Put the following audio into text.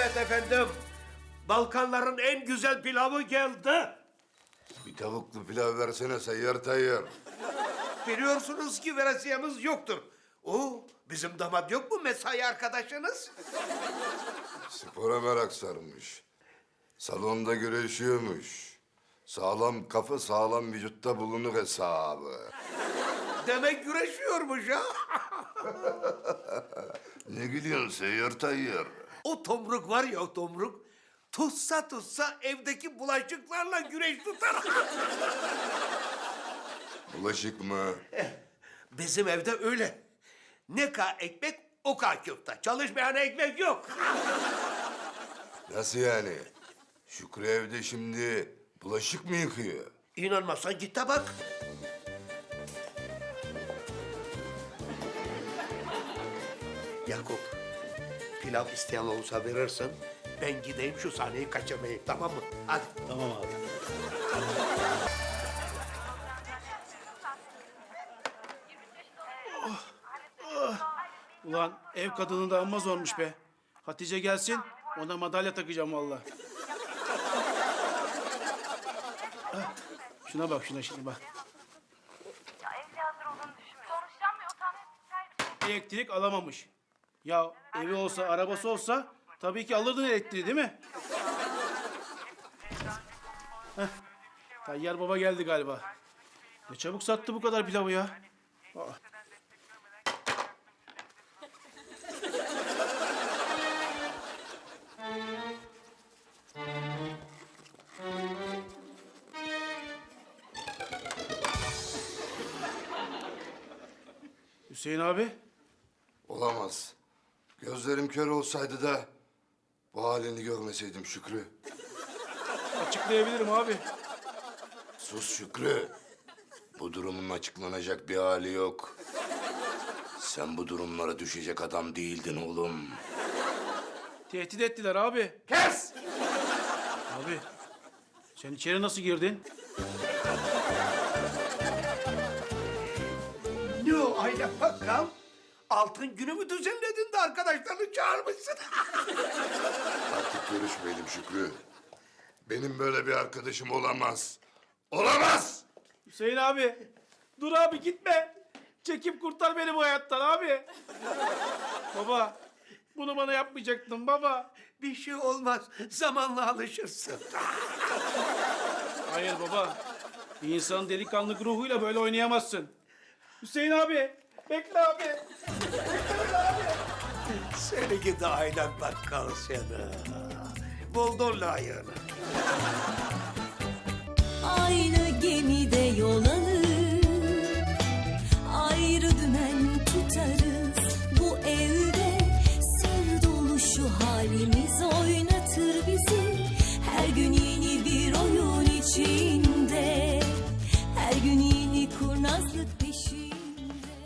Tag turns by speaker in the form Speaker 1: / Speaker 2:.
Speaker 1: Evet efendim. Balkanların en güzel pilavı geldi.
Speaker 2: Bir tavuklu pilav versene Seyyar Tayyar.
Speaker 1: Biliyorsunuz ki veresiyemiz yoktur. Oo, bizim damat yok mu mesai arkadaşınız?
Speaker 2: Spora merak sarmış. Salonda güreşiyormuş. Sağlam kafa sağlam vücutta bulunur hesabı.
Speaker 1: Demek güreşiyormuş ha.
Speaker 2: Ne gülüyorsun Seyyar Tayyar?
Speaker 1: O tomruk var ya o tomruk. Tutsa evdeki bulaşıklarla güreş tutar.
Speaker 2: Bulaşık mı?
Speaker 1: Bizim evde öyle. Ne ka ekmek o ka köfte. Çalışmayan ekmek yok.
Speaker 2: Nasıl yani? Şükrü evde şimdi bulaşık mı yıkıyor?
Speaker 1: İnanmazsan git de bak. Yakup, pilav isteyen olursa verirsin. Ben gideyim şu sahneyi kaçırmayayım, tamam mı? Hadi.
Speaker 3: Tamam abi. Ulan ev kadını da amma zormuş be. Hatice gelsin, ona madalya takacağım vallahi. Ah, şuna bak, şuna şimdi bak.
Speaker 4: Ya evli hazır olduğunu düşünmüyorum. Konuşacağım ve o tahmin
Speaker 3: Elektrik alamamış. Ya evi olsa, arabası olsa tabii ki alırdın elektriği değil mi? Heh, Tayyar Baba geldi galiba. Ne çabuk sattı bu kadar pilavı ya. Aa. Hüseyin abi,
Speaker 2: Olamaz. Gözlerim kör olsaydı da bu halini görmeseydim Şükrü.
Speaker 3: açıklayabilirim abi.
Speaker 2: Sus Şükrü. Bu durumun açıklanacak bir hali yok. Sen bu durumlara düşecek adam değildin oğlum.
Speaker 3: Tehdit ettiler abi.
Speaker 1: Kes!
Speaker 3: Abi, sen içeri nasıl girdin?
Speaker 1: Ne o aile bakkal? Altın günü mü düzenledin de arkadaşlarını çağırmışsın?
Speaker 2: Artık görüşmeyelim Şükrü. Benim böyle bir arkadaşım olamaz. Olamaz!
Speaker 3: Hüseyin abi, dur abi gitme. Çekip kurtar beni bu hayattan abi. Baba, bunu bana yapmayacaktın baba.
Speaker 1: Bir şey olmaz, zamanla alışırsın.
Speaker 3: Hayır baba, bir insanın delikanlık ruhuyla böyle oynayamazsın. Hüseyin abi, bekle abi.
Speaker 1: Seni gidi aylak bakkal seni. Buldun layığını.
Speaker 5: Aynı